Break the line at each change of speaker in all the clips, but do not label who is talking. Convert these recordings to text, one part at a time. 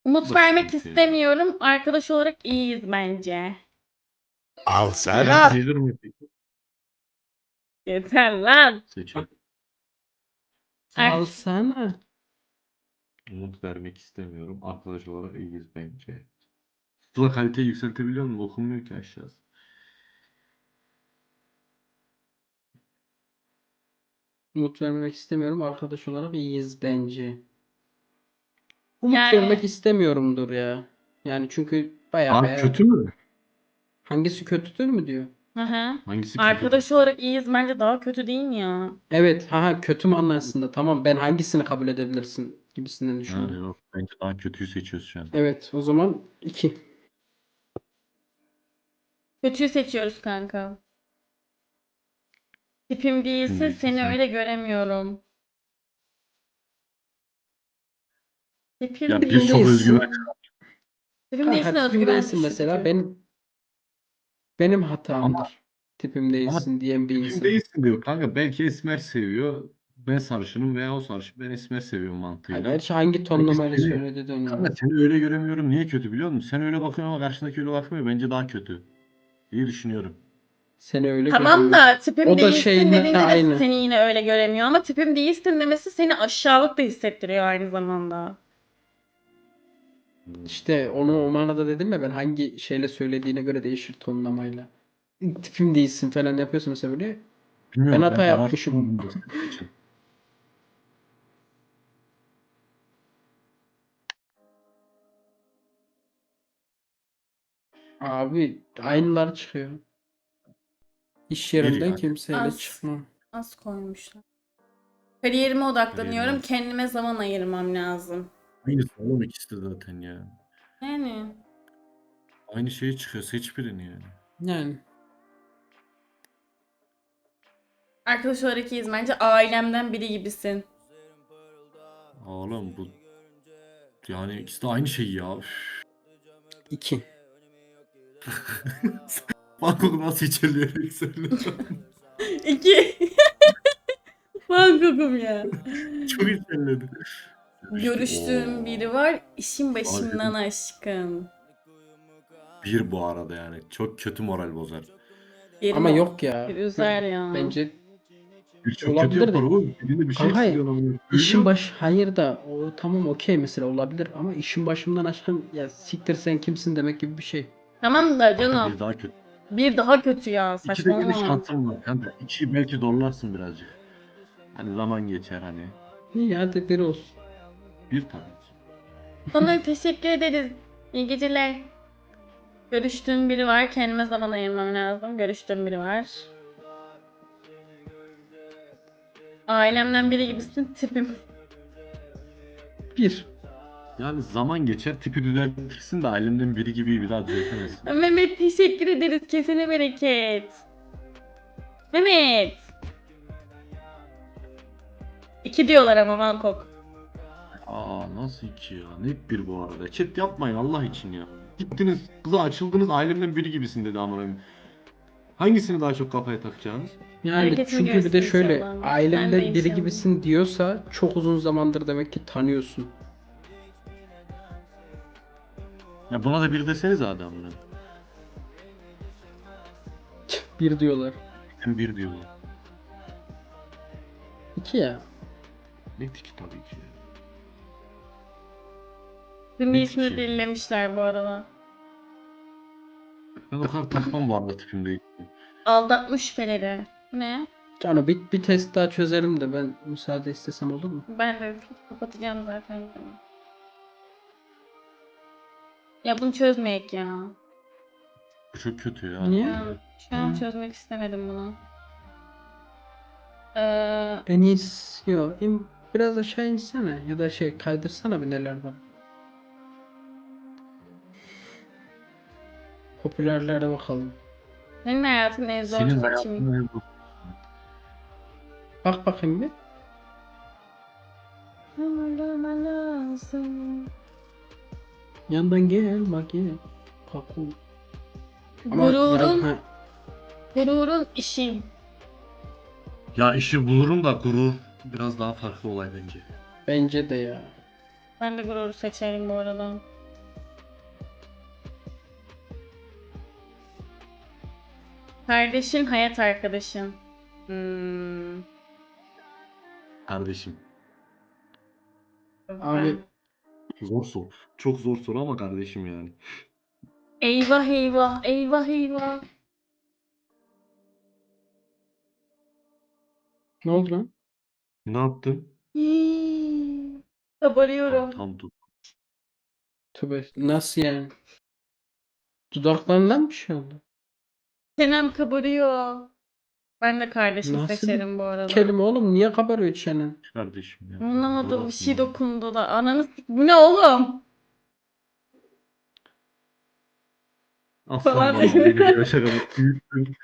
Umut
Bu da
vermek
sıkıntı ya.
istemiyorum. Arkadaş olarak iyiyiz bence.
Al sen
Yani
al.
sayılır mı peki?
Yeter lan.
Seçelim.
Ar-
Alsana.
Umut vermek istemiyorum. Arkadaş olarak iyiyiz bence. Sıla kaliteyi yükseltebiliyor musun? Okunmuyor ki aşağısı.
Umut vermek istemiyorum. Arkadaş olarak iyiyiz bence. Umut
Yani
vermek istemiyorumdur ya. Yani çünkü bayağı
Abi
bayağı
kötü mü?
hangisi kötüdür mü diyor.
hı hı.
Hangisi kötü?
Arkadaş olarak iyiyiz bence daha kötü değil mi ya?
Evet, kötü mü anlasında. Tamam, ben hangisini kabul edebilirsin gibisinden
Ha,
düşündüm.
yok. Bence daha kötüyü seçiyoruz şu an.
Evet, o zaman 2.
Kötüyü seçiyoruz kanka. Tipim değilse
Şimdi
seni
sen.
öyle göremiyorum. Tipim
Ya
değil.
biz çok özgüven.
Tipim
Kanka
değilsin
tipim
özgüven
değilsin mesela.
düşüktür.
Benim
Ama
hatamdır. Tipim
ama
değilsin diyen bir
tipim
insan.
değilsin diyor kanka. Belki esmer seviyor. Ben sarışınım veya o sarışın. Ben esmer seviyorum
Ha,
mantığıyla.
gerçi hangi
Belki
tonlamayla
seni,
söyledi de önemli.
kanka seni öyle göremiyorum. Niye kötü biliyor musun? Sen öyle bakıyorsun ama karşındaki öyle bakmıyor. Bence daha kötü. İyi düşünüyorum.
Seni öyle
Tamam
göremiyorum.
da tipim
O da
değilsin
şeyinle
dediğinde de
aynı.
seni yine öyle göremiyor ama tipim değilsin demesi seni aşağılık da hissettiriyor aynı zamanda.
Hmm.
İşte onu o manada dedim ya, ben hangi şeyle söylediğine göre değişir tonlamayla. Tipim değilsin falan yapıyorsun mesela böyle. Ben
Bilmiyorum, ben
hata yapmışım.
araştırmadım da senin için.
Abi aynılar çıkıyor. İş
Bir
yerimden
yani.
kimseyle
Az,
çıkmam.
az koymuşlar. Kariyerime
Kariyerine.
odaklanıyorum. Kendime zaman ayırmam lazım.
Aynısı oğlum ikisi de zaten ya.
Yani
Aynı şeye çıkıyor. Seç birini yani.
Yani
arkadaş olarak iyiyiz bence. Ailemden biri gibisin.
Oğlum bu yani ikisi de aynı şey ya. Üf.
2.
Bak o nasıl içerleyerek söylüyor.
İki. Bankokum ya.
Çok içerledi. İşte
Görüştüğüm
o.
biri var. İşin
Bana
başımdan aşkın.
bir bu arada yani. Çok kötü moral bozar.
Ama
Yerine
yok ya.
bir üzer ya.
Bence
Bir çok kötü
olabilir
yapar
de.
oğlum. Birinde bir şey
Kanka
eksik olamıyor.
işin
Söylüyor.
baş hayır da o tamam okey mesela olabilir ama işin başımdan aşkın ya siktir sen kimsin demek gibi bir şey.
Tamam da
Kanka
canım.
bir daha kötü.
Bir daha kötü ya.
İki de gene
Saçmalama.
şansım var. Kanka iki belki zorlarsın birazcık. Hani zaman geçer hani.
İyi hadi bir olsun.
Bir tabii ki.
Sana teşekkür ederiz. İyi geceler. Görüştüğüm biri var. Kendime zaman ayırmam lazım. Görüştüğüm biri var. Ailemden biri gibisin tipim.
Bir.
Yani zaman geçer tipi düzeltirsin de ailemden biri gibi bir daha düzeltemezsin.
Mehmet teşekkür ederiz. Kesene bereket. Mehmet. İki diyorlar ama Bangkok.
Aa nasıl iki ya? Net bir bu arada. Chat yapmayın Allah için ya. Gittiniz kıza açıldınız ailemden biri gibisin dedi amına koyayım. Hangisini daha çok kafaya takacaksınız?
Yani
Hareketini
çünkü bir de
görsün
şöyle
inşallah. Ben de
ailemden biri
inşallah.
gibisin diyorsa çok uzun zamandır demek ki tanıyorsun.
Ya buna da bir deseniz adamına.
Bir diyorlar.
Hem bir diyorlar.
2 ya.
Net iki tabii ki.
Tüm
Net
ismini
iki.
dinlemişler bu arada.
Ben o kadar takmam bu arada tipimde.
Aldatmış şüpheleri. Ne?
Cano bir test daha çözelim de ben müsaade istesem olur mu?
Ben de kapatacağım zaten. Ya bunu çözmeyek ya.
Bu çok kötü ya.
Niye?
Şu an çözmek istemedim bunu. Ee,
En iyisi yok. Biraz aşağı insene ya da şey kaydırsana bir neler var. Popülerlere bakalım.
senin hayatın en zor
Senin
seçimi.
hayatında bu.
Bak bakayım bir.
Ömrüme lazım.
Yandan gel bak gel. Kaku. Ama
Gururun,
ha,
gururun işin.
Ya işi bulurum da gurur biraz daha farklı olay bence.
bence de ya.
Ben de gururu seçerim bu arada. Kardeşin, hayat arkadaşın. Hmm.
Kardeşim.
Abi
Zor soru. Çok zor soru ama kardeşim yani.
Eyvah eyvah, eyvah eyvah.
ne oldu lan?
Ne yaptın?
Hii. Kabarıyorum.
Tam tut.
Tövbe nasıl yani? Dudaklarından bir şey oldu.
Çenem kabarıyor. Ben de kardeşim
Nasıl bir
seçerim bu arada.
kelime oğlum? Niye kabarıyor çenen?
Kardeşim ya.
Anlamadım, bir
Orası
şey
mı?
dokundu da. Ananı bu ne oğlum?
Aslan
Falan.
babam beni bir yaşa kadar büyüttün.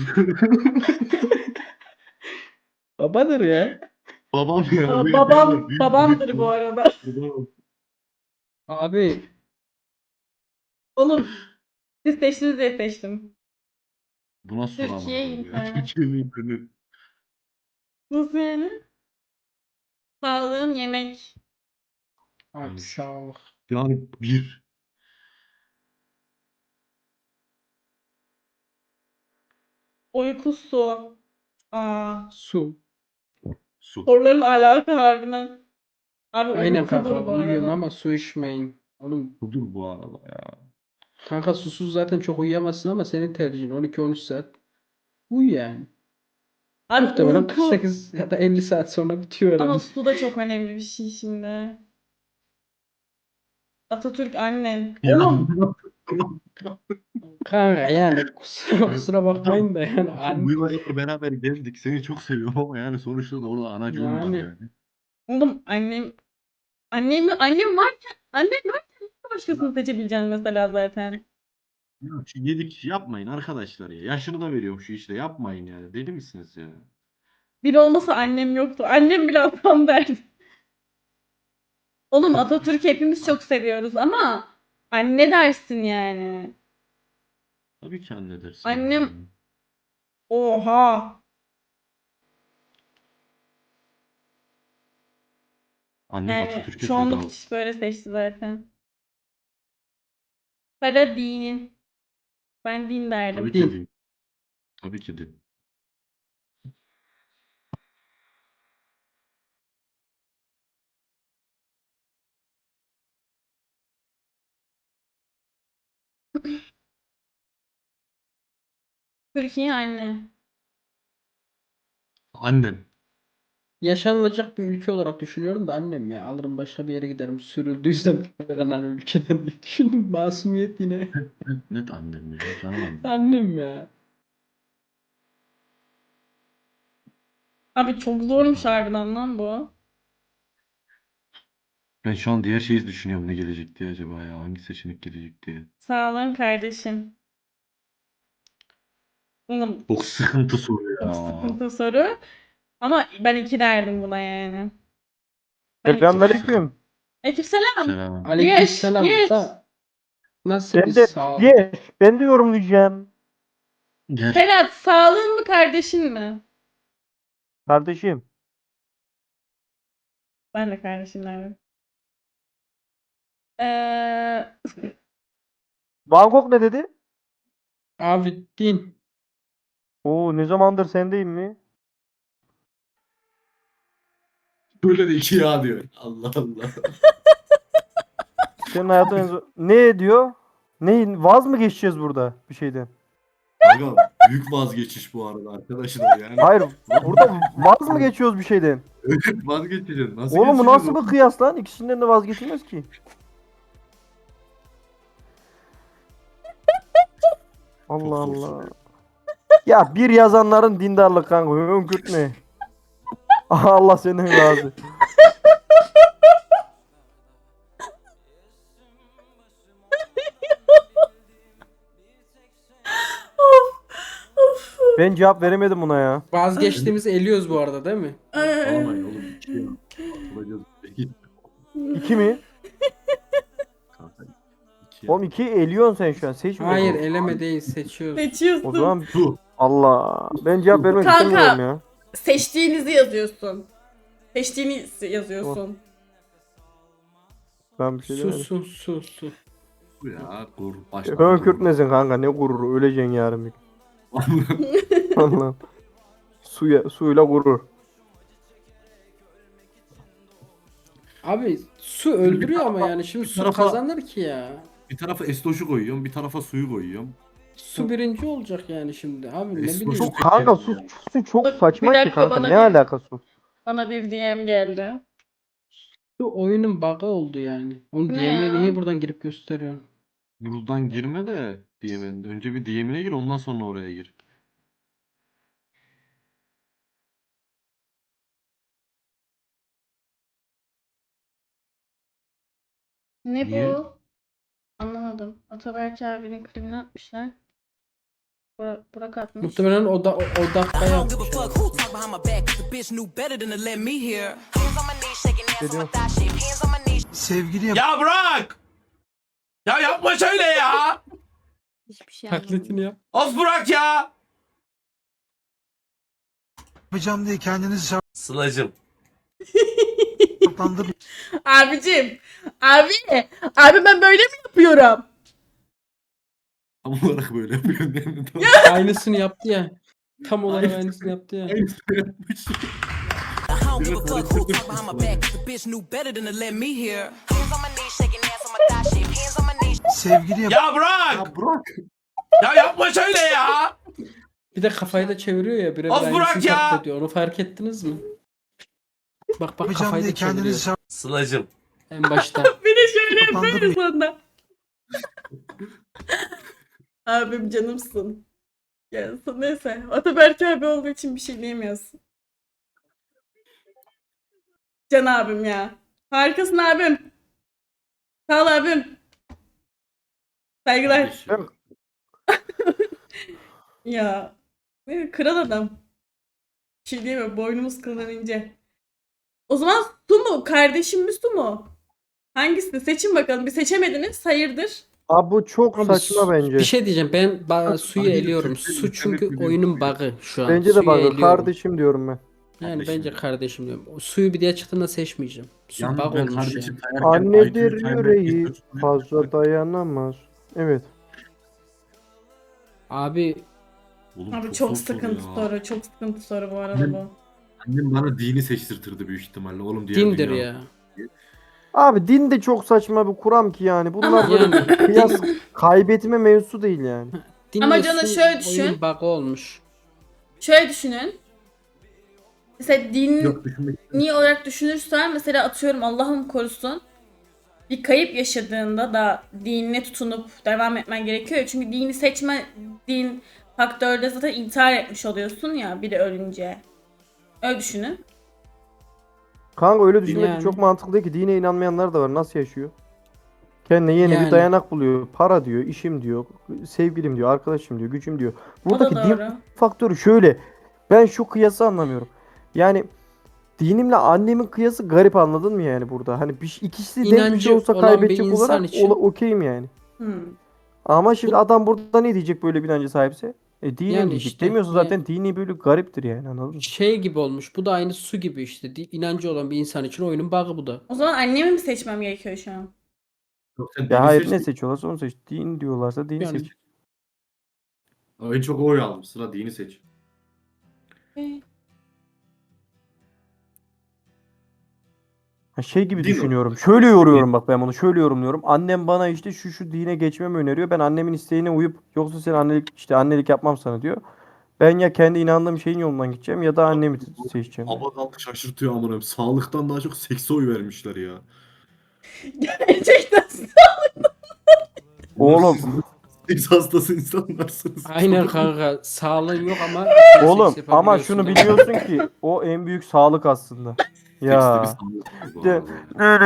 Babadır ya.
Babam ya.
Aa,
Beni bir kadar
babamdır bu
büyüttün.
arada.
Babam.
Abi
Oğlum siz seçtiniz diye seçtim.
Bu nasıl soru amına
Türkiye
koyayım ya?
internet.
Türkiye'nin internet.
Nasıl yani? Sağlığın yemek.
abi sağ ol.
Yani bir.
Uyku su. Aa.
Su.
Su.
Soruların alaka harbiden. Abi
Aynen
uykudur
kanka
bu
uyuyun
arada.
ama su içmeyin. Oğlum
Budur bu arada ya.
kanka susuz zaten çok uyuyamazsın ama senin tercihin 12-13 saat uyu yani.
Abi
Muhtemelen
uyku.
48 ya da 50 saat sonra bitiyor
Ama
herhalde.
su da çok önemli bir şey şimdi. Atatürk annen.
Ya.
Oğlum.
Kanka yani kusura bakmayın da yani
Bu yıllar beraber gezdik. Seni çok seviyorum ama yani sonuçta da orada anacığım var
yani
yani.
Oğlum annem varken nasıl başkasını seçebileceğim mesela zaten.
Ya şu yedik yapmayın arkadaşlar ya. Yaşını da veriyorum şu işte yapmayın yani. Deli misiniz ya?
Bir olmasa annem yoktu. Annem bile atam derdi. Oğlum Atatürk'ü hepimiz çok seviyoruz ama anne dersin yani.
Tabii ki anne dersin
Annem
yani.
oha.
Annem
Yani
Atatürk'e
çoğunluk
feda.
kişi böyle seçti zaten. Para din. Ben din
Tabii
derdim.
ki
din.
değil. Tabii ki değil.
Türkiye anne.
Annem.
Yaşanılacak bir ülke olarak düşünüyorum da annem ya alırım başka bir yere giderim sürüldüysem falan hani ülkeden diye düşündüm masumiyet yine.
Net annem ya. Canım annem.
Annem ya.
Abi çok zormuş harbiden lan bu.
Ben şu an diğer şeyi düşünüyorum ne gelecek diye acaba ya. Hangi seçenek gelecek diye.
Sağ olun kardeşim. Oğlum
Çok sıkıntı soru
çok
ya.
sıkıntı soru. Ama ben iki derdim buna yani. Ben iki
Çok
derdim.
sıkıntı.
Selamünaleyküm.
Aleykümselam.
Selam.
Geç,
Aleykümselam
geç.
da nasıl bir
Ben de
sağ ol?
ben de yorumlayacağım.
Gel.
Ferhat, sağlığın mı kardeşin mi?
Kardeşim.
Ben de kardeşim derdim. Ee,
Bangkok ne dedi?
Abi din.
Oo ne zamandır sendeyim mi?
Böyle de iki ya diyor. Allah Allah.
Senin hayatın ne diyor? Ne vaz mı geçeceğiz burada bir şeyden?
Kanka büyük vazgeçiş bu arada arkadaşlar yani.
Hayır burada vaz mı geçiyoruz bir şeyden?
Evet vazgeçeceğiz. Nasıl
Oğlum bu
geçeceğiz
nasıl
oğlum?
bir kıyas lan? İkisinden de vazgeçilmez ki. Allah
Çok zor
Allah.
soru.
Ya bir yazanların dindarlık kanka. Hönkürtme. Allah senden razı. Ben cevap veremedim buna ya.
Vazgeçtiğimizi eliyoruz bu arada değil mi?
Ağlamayın oğlum. İki ya. Atılacağız. İki.
İki mi?
Kanka iki ya.
Oğlum iki eliyorsun sen şu an. Seçmiyorsun.
Hayır eleme değil seçiyoruz.
O
Seçiyorsun.
zaman
Bu.
Allah. Ben cevap vermek istemiyorum
Kanka,
ya.
seçtiğinizi yazıyorsun. Seçtiğini yazıyorsun.
Ben bir şey
Su
demedim.
su su su.
Bu ya. Gur. Başka.
Hönkürtmesin kanka. Ne gururu. Öleceksin yarın bir gün. Allah'ım. Suyla gurur.
Abi su öldürüyor ama yani şimdi su
tarafa-
kazanır ki ya.
Bir tarafa estoşu koyuyorum, bir tarafa suyu koyuyorum.
Su birinci olacak yani şimdi. Abi ne
Eski
bileyim.
çok-
Kanka su çok saçma
Bir
ki
dakika,
kanka.
bana
Ne
bir-
alakası?
Bana bir DM geldi.
Su oyunun bug'ı oldu yani. Onu
Ne
DM'ye
ya?
niye buradan girip gösteriyorsun?
Buradan girme de DM'in. Önce bir DM'ine gir, ondan sonra oraya gir.
Ne
Niye?
bu? Anlamadım. Ataberk abinin klibini atmışlar. Burak atmış.
Muhtemelen o dakika
I don't give a
yapmış.
fuck who talk behind my back, 'cause the bitch knew better than to let me hear. Hands on my knees, shaking ass on my thigh shape. Hands on my knees.
Sevgili
Ya bırak! Ya yapma şöyle ya!
Hiçbir şey
Taklitini yap.
Of bırak ya!
yapacağım diye kendinizi
Sıla'cım.
şartlandırmayın.
Abicim. Abi ben böyle mi yapıyorum?
Tam olarak böyle yapıyorsun değil mi? Tam
Aynısını yaptı ya. Tam olarak aynısını yaptı ya.
aynısını yapmış.
I don't give a fuck who talk behind my back, 'cause the bitch knew better than to let me hear. Hands on my knees, shaking ass on my thigh shape. Hands on my knees.
Sevgili
Ya bırak!
Ya bırak.
Ya yapma şöyle ya!
Bir de kafayı da çeviriyor ya. Birebir
Of bırak
aynısını
ya!
taklit ediyor. Onu fark ettiniz mi? Bak
yapacağım
kafayı
diye
da çeviriyor.
kendinizi
Sıla'cım.
En başta.
Bir de şöyle
şartlandırmayın.
yapıyoruz onda. Abim canımsın. Ya neyse. Ataberk abi olduğu için bir şey diyemiyorsun. Can abim ya. Harikasın abim. Sağ ol abim. Saygılar.
Kardeşim.
Ya. Kral adam. Bir şey diyemem. Boynumuz kıldan ince. O zaman su mu? Kardeşim mi su mu? Hangisini? Seçin bakalım. Bir seçemediniz. Hayırdır?
Abi bu çok
Abi,
saçma bence.
Bir şey diyeceğim. Ben suyu
Hayır,
eliyorum.
Türkçe
Su çünkü
internet
oyunun
biliyorum.
bug'ı şu an.
Bence de
Suyu
bak
eliyorum.
kardeşim diyorum ben.
Yani
Kardeşim.
bence kardeşim diyorum. O suyu bir diye çıktığında seçmeyeceğim. Su
Yalnız
bug
ben
olmuş
kardeşim
yani.
sayarken
Annedir
IQ'yu
yüreği
kaybetmek
fazla dayanamaz. Evet.
Abi
Oğlum
Abi
zor
çok
soru
sıkıntı
ya.
soru. Çok sıkıntı soru bu arada bu.
Annem bana dini seçtirtirdi büyük ihtimalle. Oğlum diğer
dindir
dünya.
ya.
Abi din de çok saçma bir kuram ki yani. Bunlar
Ama-
böyle
Yani
kıyas kaybetme mevzusu değil yani.
Ama
dinle
canım
su
şöyle düşün.
oyunun bug'ı olmuş.
Şöyle düşünün. Mesela dini
Yok düşünmek
olarak düşünürsen mesela atıyorum Allah'ım korusun bir kayıp yaşadığında da dinine tutunup devam etmen gerekiyor ya. Çünkü dini seçme din faktörde zaten intihar etmiş oluyorsun ya biri ölünce. Öyle düşünün.
Kanka öyle düşünmek
Yani.
çok mantıklı değil ki. Dine inanmayanlar da var. Nasıl yaşıyor? Kendine yeni
Yani.
bir dayanak buluyor. Para diyor, işim diyor, sevgilim diyor, arkadaşım diyor, gücüm diyor.
O da
Buradaki din
doğru.
faktörü şöyle. Ben şu kıyası anlamıyorum. Yani dinimle annemin kıyası garip, anladın mı yani burada? Hani ikisi denk bir
İnancı
şey olsa
olan bir
kaybedecek
insan
olarak
için-
okeyim yani.
Hmm.
Ama şimdi adam burada ne diyecek böyle bir inanca sahipse? Dinim
Yani
diyecek.
işte,
Demiyorsa zaten dini böyle gariptir yani, anladın mı?
Şey gibi olmuş. Bu da aynı su gibi işte. İnancı olan bir insan için oyunun bug'ı bu da.
O zaman annemi mi seçmem gerekiyor şu an?
yok. Sen
Ya
dini
hayır,
seç.
ne seçiyorlarsa onu seç. Din diyorlarsa dini
Yani-
seç.
En çok oy aldım. Sıra dini seç.
Ha, şey gibi
Din
düşünüyorum.
olarak.
Şöyle yoruyorum bak, ben bunu şöyle yorumluyorum. Annem bana işte şu dine geçmemi öneriyor. Ben annemin isteğine uyup yoksa sen annelik yapmam sana diyor. Ben ya kendi inandığım şeyin yolundan gideceğim ya da annemi seçeceğim.
Abadan şaşırtıyor amına. Sağlıktan daha çok sekse oy vermişler ya.
Gerçekten.
Oğlum.
Siz Seks hastası insanlarsınız.
Aynen kanka. Sağlığın yok ama
Oğlum
seks
ama
yapabiliyorsun
şunu
da.
biliyorsun ki o en büyük sağlık aslında. Ya.
Seks de bir sağlık bu arada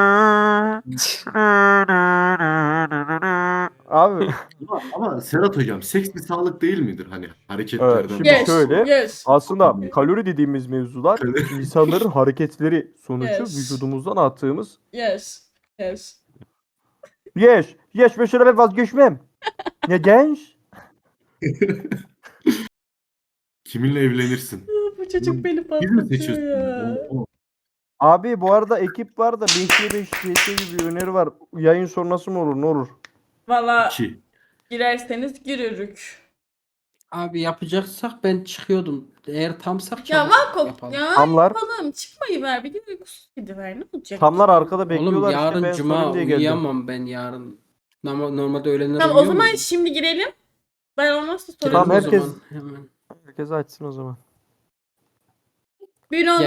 yani.
Abi
Ama Serhat hocam seks bir sağlık değil midir hani hareketlerden?
Evet, şimdi
Yes.
şöyle-
Yes.
aslında kalori dediğimiz mevzular insanların hareketleri sonucu
Yes.
vücudumuzdan attığımız
Yes. Yes.
yes ve şöyle ben vazgeçmem. Ne genç?
Kiminle evlenirsin?
Bu çocuk beni
Biz mi
patlatıyor
seçiyorsun?
ya.
Abi bu arada ekip var da 5'ye 5 CS gibi bir öneri var. Yayın sonrası mı olur, ne olur?
Valla
2.
girerseniz girürük.
Abi yapacaksak ben çıkıyordum. Eğer tamsak
Ya
çabuk
Vakop
yapalım.
ya
Tamlar.
yapalım. Çıkmayı ver. Bir gün uykusuz gidiver. Ne olacak?
Tamlar arkada
Oğlum
bekliyorlar işte
yarın
ben
cuma
sorayım diye geldim.
uyuyamam ben yarın. Normalde öğlenler
Tamam o
uyuyor
zaman
muydum?
şimdi girelim. Ben olmazsa
Girelim
sorarım.
Tamam,
o
herkes-
zaman hemen.
Herkes açsın o zaman.
Bir